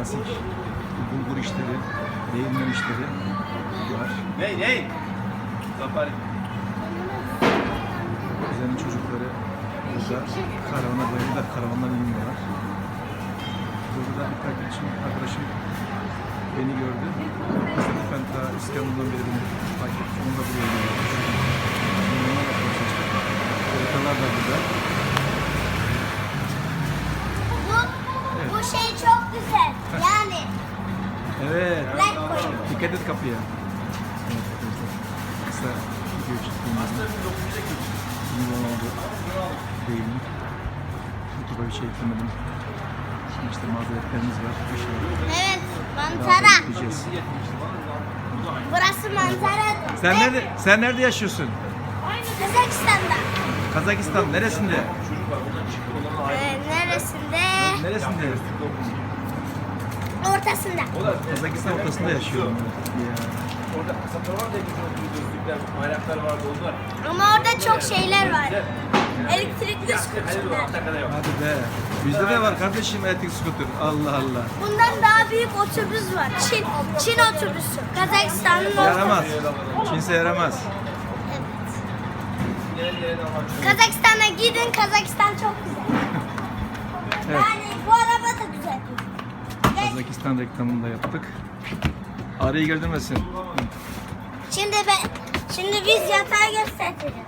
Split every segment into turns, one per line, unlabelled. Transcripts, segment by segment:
klasik bulgur işleri, değirmen işleri var.
Ney? Safari.
Güzel'in çocukları burada karavana bayıldılar, karavandan iniyorlar. Burada bir arkadaşım beni gördü. Ben ta İskenderun'dan beri beni takip ettim. Onu da buraya geliyor. Onunla bakmaya çalıştık. Haritalar da burada.
Bu şey çok güzel. Yani
Evet.
black koyun.
Dikkat et kapıya. Evet arkadaşlar. Kısa video çektiğimizde iyi oldu. Değilim. YouTube'a bir şey eklemedim. Şimdi işte mazeretlerimiz var. Bir şey var.
Evet,
Daha
manzara.
bekleyeceğiz.
Burası manzara.
Sen nerede yaşıyorsun?
Kazakistan'da.
Kazakistan neresinde?
Neresinde?
Neresinde?
Ortasında.
Kazakistan ortasında yaşıyorum. Ya.
Orada kasalar var da gözlükler, bayraklar vardı onlar.
Ama orada çok şeyler var. Elektrikli skuterler.
Hadi be. Bizde de var kardeşim elektrik skuter. Allah Allah.
Bundan daha büyük otobüs var. Çin otobüsü. Kazakistan'ın
Yaramaz.
otobüsü.
Çinse yaramaz.
Kazakistan'a gidin. Kazakistan çok güzel.
Evet.
Yani bu araba da güzel.
Kazakistan reklamını da yaptık. Arayı gördürmesin.
Şimdi biz yatağı göstereceğiz.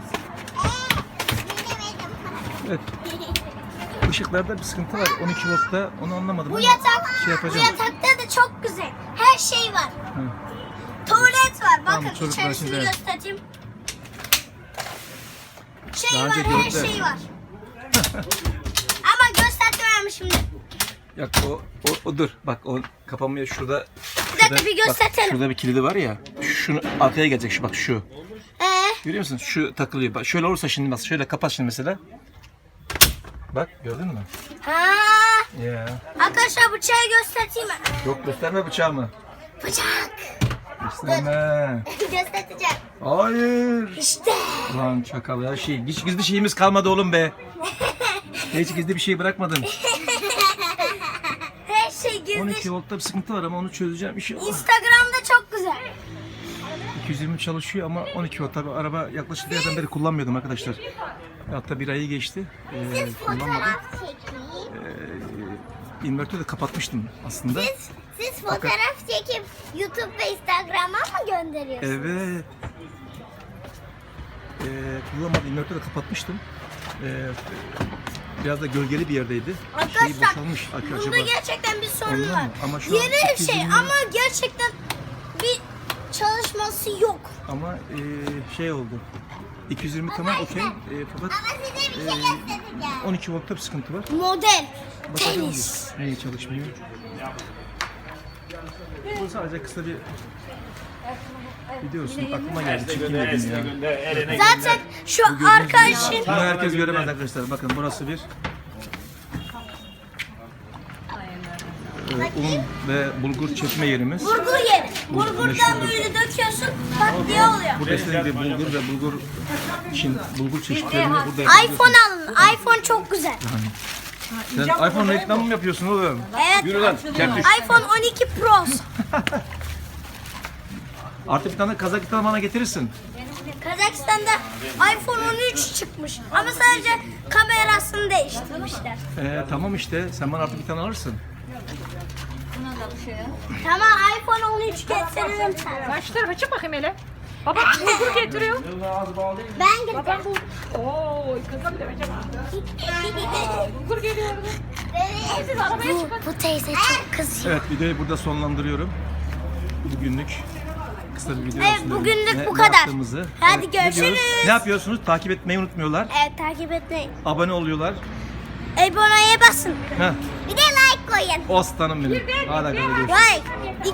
Evet. Işıklarda bir sıkıntı var. 12 voltta onu anlamadım.
Bu
ama
yatak,
şey
bu
yapacağım.
yatakta da çok güzel. Her şey var.
Hı.
Tuvalet var.
Tamam,
Bakın
çocuklar
içerisini
şimdi-
göstereyim. Şey
Daha
var,
önce
her
gördüler.
şey var. Ama göstermiyorum şimdi.
Yok o dur. Bak o kapanmıyor şurada.
Bir dakika bir
Bak,
göstertelim.
şurada bir kilidi var ya. Şunu arkaya gelecek şu bak şu.
Ee,
Görüyor musun? Şu takılıyor. Bak şöyle olursa şimdi bak şöyle kapat şimdi mesela. Bak gördün mü?
ha.
Ya.
Arkadaşlar bıçağı göstereyim mi?
Yok gösterme bıçağımı.
Bıçak.
Gösterme.
Göstereceğim.
Hayır.
İşte.
Lan çakal ya şey. Hiç gizli şeyimiz kalmadı oğlum be. Hiç gizli bir şey bırakmadın.
Her şey gizli.
12 voltta bir sıkıntı var ama onu çözeceğim inşallah.
Instagram'da çok güzel.
220 çalışıyor ama 12 volt. Tabii araba yaklaşık bir yerden beri kullanmıyordum arkadaşlar. Hatta bir ayı geçti. Kullanmadım. İnvertörü de kapatmıştım aslında.
Siz fotoğraf çekip YouTube ve Instagram'a mı gönderiyorsunuz?
Evet. Kullanmadım. İnvertörü de kapatmıştım. Biraz da gölgeli bir yerdeydi. Şeyi
Arkadaşlar
boşalmış.
bunda
Acaba
gerçekten bir sorun
ondan
var.
mı? Ama şu an
Yeni bir şey
220
ama gerçekten bir çalışması yok.
ama şey oldu. 220 tamam okey. Fakat
size bir şey göstereceğim.
12 voltta bir sıkıntı var.
Model.
Bakacağım
Tenis.
niye çalışmıyor. Bu sadece kısa bir video olsun. Aklıma geldi. Çekeyim dedim ya.
Zaten şu arkadaşın
Bunu herkes göremez arkadaşlar. Bakın burası bir un ve bulgur çekme yerimiz.
burgur yeri. Burgurdan böyle döküyorsun pat diye oluyor.
Burada istediğim gibi bulgur ve bulgur çeşitlerini burada yapıyoruz.
iPhone alın. iPhone çok güzel.
Sen iPhone reklamı mı yapıyorsun oğlum?
Evet.
Yürü lan. Kerpiç.
iPhone 12 Pro.
Artık bir tane Kazakistan bana getirirsin.
Kazakistan'da iPhone 13 çıkmış. Ama sadece kamerasını değiştirmişler.
Tamam işte. Sen bana artık bir tane alırsın.
Tamam iPhone 13 getiririm sana.
Sen şu tarafa çık bakayım hele. Baba bulgur getiriyor.
Ben getiririm.
Babam bu. Oo, kızım da acaba. Bulgur geliyor. Siz arabaya çıkın.
Bu teyze çok kızıyor.
Evet videoyu burada sonlandırıyorum. Bugünlük kısa bir video
Evet,
olsun dedim.
bugünlük bu kadar.
yaptığımızı.
Hadi
ne diyoruz?
görüşürüz.
Ne yapıyorsunuz? Takip etmeyi unutmuyorlar.
Evet takip etmeyin.
Abone oluyorlar.
Aboneye basın.
Heh.
Bir de like koyun.
Aslanım benim. Hadi arkadaşlar görüşürüz.
Like.